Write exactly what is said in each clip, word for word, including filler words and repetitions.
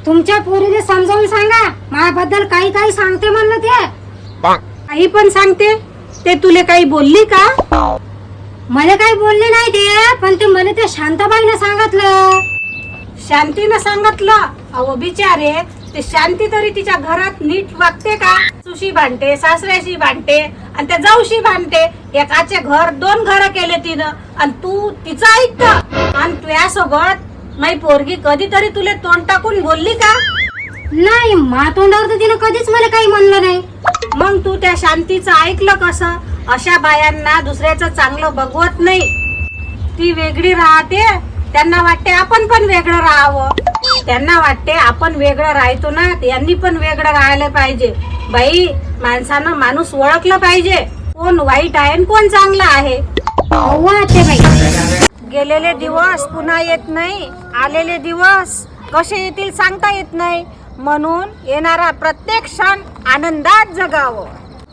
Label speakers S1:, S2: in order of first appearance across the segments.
S1: तुमच्या पोरीने समजावून सांगा, माझ्याबद्दल काही काही सांगते म्हणलं ते.
S2: काही पण सांगते. ते तुले काही बोलली का?
S1: मला काही बोलले नाही ते, पण ते मला त्या शांताबाईनं सांगितलं.
S2: शांतीनं सांगितलं? अहो बिचारे, ते शांती तरी तिच्या घरात नीट वागते का? सुशी भांडते, सासऱ्याशी भांडते आणि त्या जाऊशी भांडते. एकाचे घर दोन घर केले तिनं आणि तू तिचं ऐकत. आणि तुझ्यासोबत माई पोरगी कधीतरी तुले तोंड टाकून बोलली का?
S1: नाही, मा तोंडावर तर तिनं कधीच मला काही म्हणलं नाही.
S2: मग तू त्या शांतीचं ऐकलं कसं? अशा बायांना दुसऱ्याचं चांगलं बघवत नाही. ती वेगळी राहते, त्यांना वाटते आपण पण वेगळं राहावं. त्यांना वाटते आपण वेगळं राहतो ना, यांनी पण वेगळं राहायला पाहिजे. बाई, माणसानं माणूस ओळखलं पाहिजे, कोण वाईट आहे आणि कोण चांगला आहे.
S1: अव्वा आत्याबाई,
S2: गेलेले दिवस पुन्हा येत नाही, आलेले दिवस कसे येतील सांगता येत नाही. म्हणून येणारा प्रत्येक क्षण आनंदात जगावं.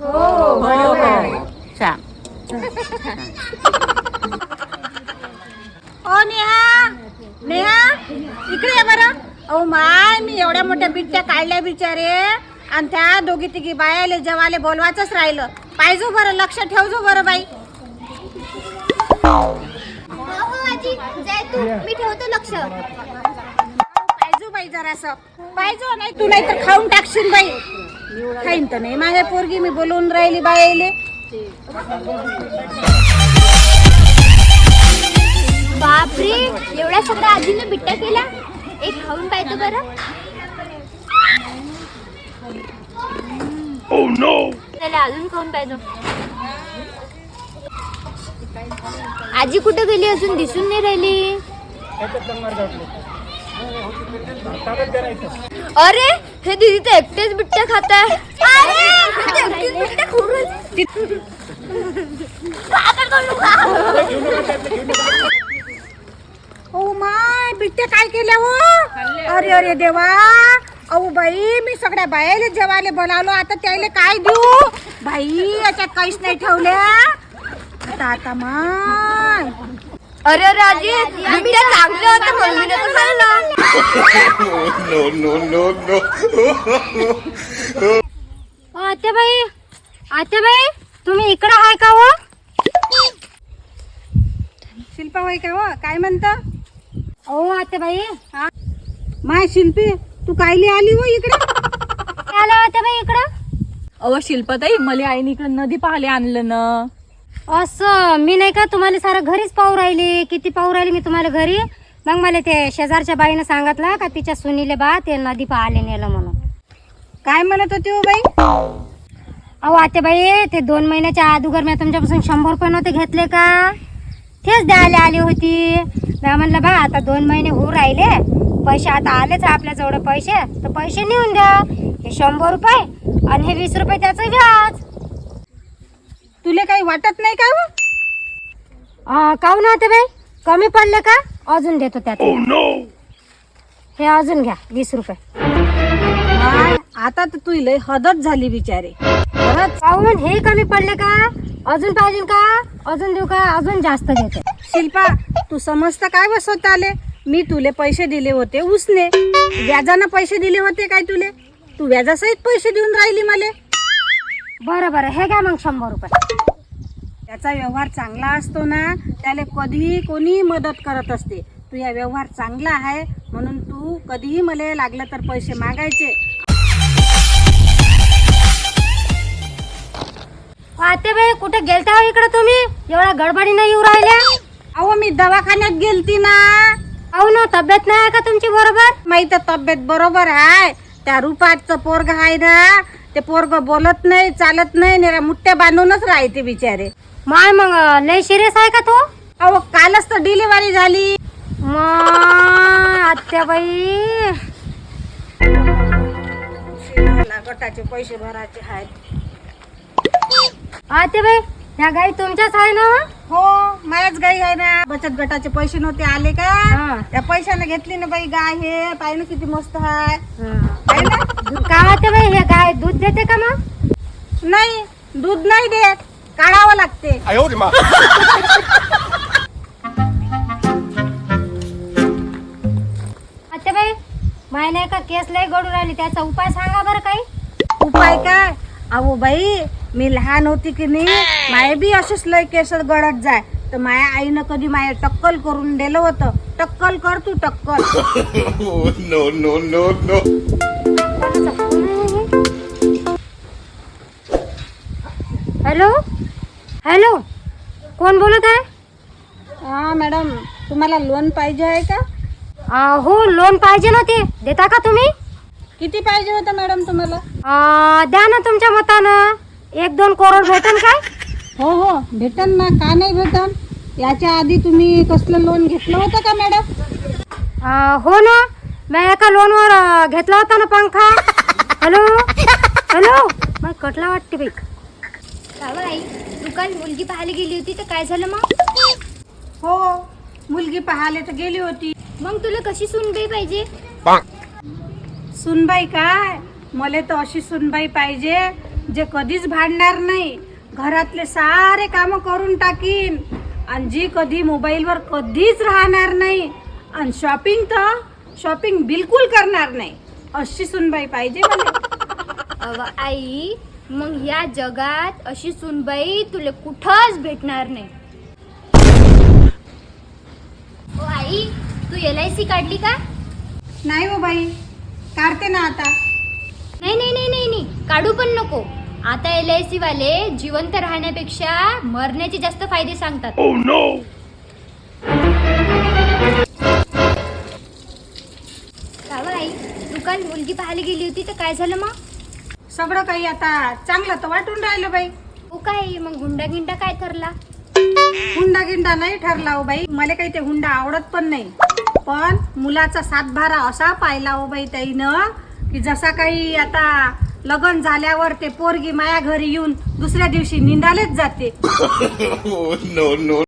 S2: ओ नेहा, नेहा इकडे ये बरं. अहो माय, मी एवढ्या मोठ्या बिट्ट्या काढल्या बिचारे, आणि त्या दोघी तिघी बायाले जेवाले बोलवायचंच राहिलं. पाहिजो बरं, लक्ष ठेवजो बरं बाई.
S3: मी ठेवतो लक्ष.
S2: पाहिजो बाई जरासं, पाहिजो. नाही तू नाही तर खाऊन टाकशील बाई. खाईन तर नाही माझ्या पोरगी, मी बोलवून राहिली बायाले.
S3: बापरे, एवढ्या सगळ्या आजीने बिट्ट्या केल्या. एक खाऊन पाहतो बरं. चला अजून खाऊन पाहतो. आजी कुठे गेली? अजून दिसून नाही राहिली. अरे, हे दीदी तर एकटेच बिट्ट्या खात आहे.
S2: ओ माय, बिट्ट्या काय केल्या हो? अरे अरे देवा. अहो बाई, मी सगळ्या बायाले जेवायला बोलावलो, आता त्याला काय देऊ बाई? याच्यात काहीच नाही ठेवल्या. आता आता माय.
S3: अरे अरे आजी, बिट्ट्या चांगल्या होत्या, मम्मीने तर खाल्लं.
S4: no, no, no, no.
S1: आत्याबाई, आत्याबाई, तुम्ही इकडं आहे का हो?
S2: शिल्पा होय का हो? काय म्हणता?
S1: अहो आत्याबाई,
S2: माय शिल्पी, तू कायली आली हो इकडे?
S1: आला आत्याबाई इकडं?
S5: अव शिल्पाताई, मला आईने इकडे नदी पाहायला आणलं ना.
S1: असं मी नाही का तुम्हाला सारं घरीच पाहू राहिली. किती पाहू राहिली मी तुम्हाला घरी. मग मला ते शेजारच्या बाईनं सांगितलं का तिच्या सुनीले बा ते नदी पाहायला नेलं म्हणून.
S2: काय म्हणत होती हो बाई?
S1: अहो आत्याबाई, ते दोन महिन्याच्या अगोदर मी तुमच्यापासून शंभर रुपये नव्हते घेतले का, तेच द्यायला आली होती. मी म्हणलं बा आता दोन महिने होऊ राहिले, पैसे आता आलेच आपल्याजवळ पैसे, तर पैसे नेऊन द्या. हे शंभर रुपये आणि हे वीस रुपये त्याचं व्याज.
S2: तुले काही वाटत नाही का हो?
S1: काहून आत्याबाई, कमी पडले का? अजून देतो त्यात. हे अजून घ्या वीस रुपये.
S2: माय, आता तर तू लय हदच झाली बिचारे. खरंच.
S1: काहून हे कमी पडले का? अजून पाहिजे का? अजून देऊ का? अजून जास्त देते.
S2: शिल्पा, तू समजता काय बस होत आले? मी तुले पैसे दिले होते उसने, व्याजानं पैसे दिले होते काय तुले? तू व्याजासहित पैसे देऊन राहिली मले.
S1: बरं बरं, हे घ्या मग शंभर रुपये.
S2: त्याचा व्यवहार चांगला असतो ना, त्याला कधीही कोणी मदत करत असते. तुझा व्यवहार चांगला आहे म्हणून तू कधीही मला लागलं तर पैसे मागायचे.
S1: आत्याबाई, कुठे गेलता हो इकडे तुम्ही? एवढ्या गडबडीने येऊ राहिल्या.
S2: अहो मी दवाखान्यात गेलती ना.
S1: अहो ना, तब्येत नाही आहे का तुमची बरोबर?
S2: माहित तब्येत बरोबर आहे. त्या रुपाचं पोरग आहे ना, ते पोरग बोलत नाही, चालत नाही, नेरा मुठ्या बांधूनच राहते बिचारे.
S1: माय, मग लय सिरियस आहे का तो?
S2: अहो कालच तर डिलिव्हरी झाली.
S1: माय आत्याबाई,
S2: गटाचे पैसे भरायचे आहेत.
S1: आत्याबाई, ह्या गाई तुमच्याच आहे ना?
S2: हो, माझ्याच गाई आहे ना. बचत गटाचे पैसे नव्हते आले का, त्या पैशाने घेतली ना बाई गाय. हे पाय ना किती मस्त आहे. आहे ना?
S1: का आत्याबाई, हे गाय दूध देते का मग?
S2: नाही, दूध नाही देत, काढावं लागते.
S1: आत्याबाई, माय माय नाही का केस लय गडू राहिली, त्याचा उपाय सांगा बरं काही.
S2: उपाय काय? अहो बाई, मी लहान होती की नाही, माय बी असेच लय केस गळत जाय, तर माया आईनं कधी माया टक्कल करून दिलं होतं. टक्कल कर तू टक्कल.
S4: no, no, no, no.
S1: Hello hello, कोण बोलत आहे?
S2: हा मॅडम, तुम्हाला लोन पाहिजे आहे का?
S1: अं, हो लोन पाहिजे ना, ते देता का तुम्ही?
S2: किती पाहिजे होतं मॅडम तुम्हाला?
S1: अं, द्या ना तुमच्या मतानं. एक दोन करोड भेटेल काय?
S2: हो हो भेटन ना, का नाही भेटन? याच्या आधी तुम्ही कसलं लोन घेतलं होतं का मॅडम?
S1: अं, हो ना, मी एका लोनवर अं, घेतला होता ना पंखा. हॅलो हॅलो, मग कटला वाटते बाई.
S3: का बाई, तू काल मुलगी पाहायला गेली होती तर काय झालं मग?
S2: हो, मुलगी पाहायला तर गेली होती.
S3: मग तुला कशी सुनबाई पाहिजे?
S2: सुनबाई काय, मला तर अशी सुनबाई पाहिजे जे कधीच भांडणार नाही, घरातले सारे कामं करून टाकीन, आणि जी कधी मोबाईलवर कधीच राहणार नाही, आणि शॉपिंग तर शॉपिंग बिलकुल करणार नाही. अशी सुनबाई पाहिजे मला.
S3: अव आई, मग या जगात अशी सुनबाई तुला कुठंच भेटणार नाही. ओ आई, तू एल आय सी काढली का?
S2: नाही हो बाई, काढते ना आता.
S3: नाही नाही नाही नाही नाही, काढू पण नको. आता एल आय सी वाले जिवंत राहण्यापेक्षा मरण्याचे जास्त फायदे सांगतात. का बाई, तू काल मुलगी पाहायला गेली होती तर काय झालं मग?
S2: सगळं काही आता चांगलं तर वाटून राहिलं बाई.
S3: हो काय, मग हुंडा गिंडा काय ठरला?
S2: हुंडा गिंडा नाही ठरला हो बाई, मला काही ते हुंडा आवडत पण नाही. पण मुलाचा सातबारा असा पाहिला हो बाई ताईनं, की जसा काही आता लग्न झाल्यावर ते पोरगी माया घरी येऊन दुसऱ्या दिवशी निंदालेच जाते.
S4: no, no.